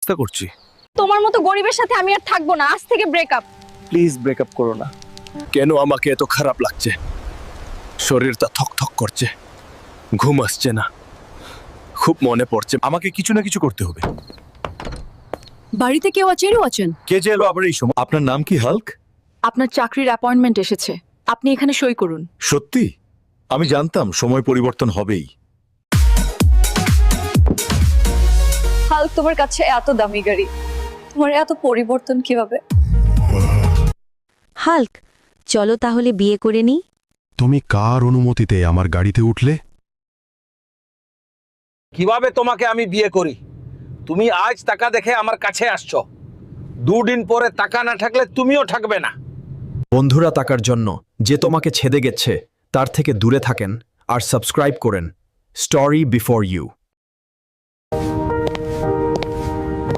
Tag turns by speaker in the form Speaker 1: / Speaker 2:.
Speaker 1: চেষ্টা করছি।
Speaker 2: তোমার মতো গরিবের সাথে আমি আর থাকবো না, আজ থেকে ব্রেকআপ।
Speaker 1: প্লিজ ব্রেকআপ করো না। কেন আমাকে এত খারাপ লাগছে? শরীরটা থকথক করছে, ঘুম আসছে না, খুব মনে পড়ছে। আমাকে কিছু না কিছু করতে হবে।
Speaker 2: বাড়িতে কেউ আছেন?
Speaker 1: কে যে এলো আবার এই সময়?
Speaker 3: আপনার নাম কি হাল্ক?
Speaker 2: আপনার চাকরির অ্যাপয়েন্টমেন্ট এসেছে, আপনি এখানে সই করুন।
Speaker 3: সত্যি? আমি জানতাম সময় পরিবর্তন হবেই।
Speaker 2: হাল্ক, তোমার কাছে এত দামি গাড়ি, তোমার এত পরিবর্তন কিভাবে?
Speaker 4: হাল্ক, চলো তাহলে বিয়ে করে নিই।
Speaker 5: তুমি কার অনুমতিতে আমার গাড়িতে উঠলে?
Speaker 6: কিভাবে তোমাকে আমি বিয়ে করি? তুমি আজ টাকা দেখে আমার কাছে আসছো, দুদিন পরে টাকা না থাকলে তুমিও থাকবে না।
Speaker 7: বন্ধুরা, টাকার জন্য যে তোমাকে ছেদে গেছে তার থেকে দূরে থাকেন আর সাবস্ক্রাইব করেন স্টোরি বিফোর ইউ।